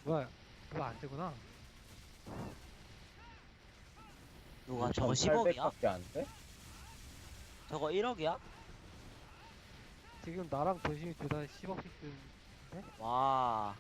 뭐야, 그거 안 되구나. 누가 저거 10억이야? 밖에 안 돼? 저거 1억이야? 지금 나랑 도심이 둘 다 10억씩 쓰는데? 와.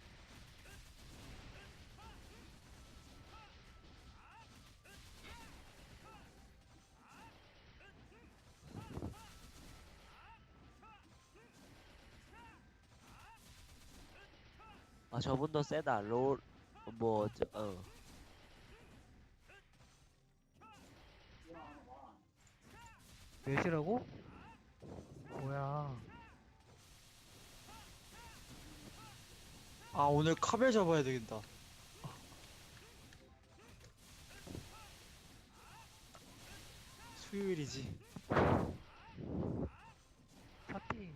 아, 저분도 세다. 어. 몇이라고? 뭐야. 아, 오늘 카벨 잡아야 되겠다. 수요일이지. 파티.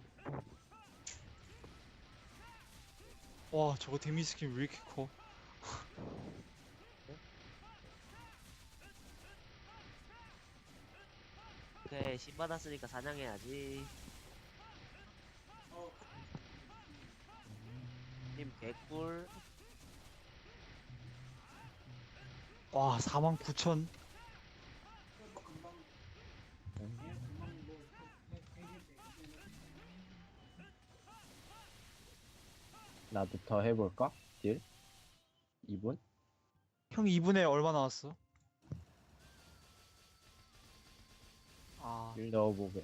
와, 저거 데미지 스킨 왜 이렇게 커? 오케이, 신 받았으니까 사냥해야지. 힘 개꿀. 와, 49,000. 나도 더 해볼까? 딜? 2분? 형 2분에 얼마 나왔어? 아, 딜 넣어보게.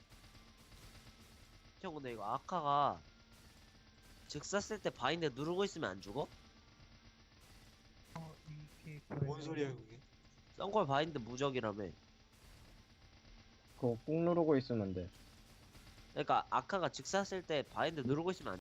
형, 근데 이거 아카가 즉사 쓸 때 바인드 누르고 있으면 안 죽어? 이게 뭔 소리야, 그게? 썬걸 바인드 무적이라며. 그거 꾹 누르고 있으면 돼. 그러니까 아카가 즉사 쓸 때 바인드 누르고 있으면 안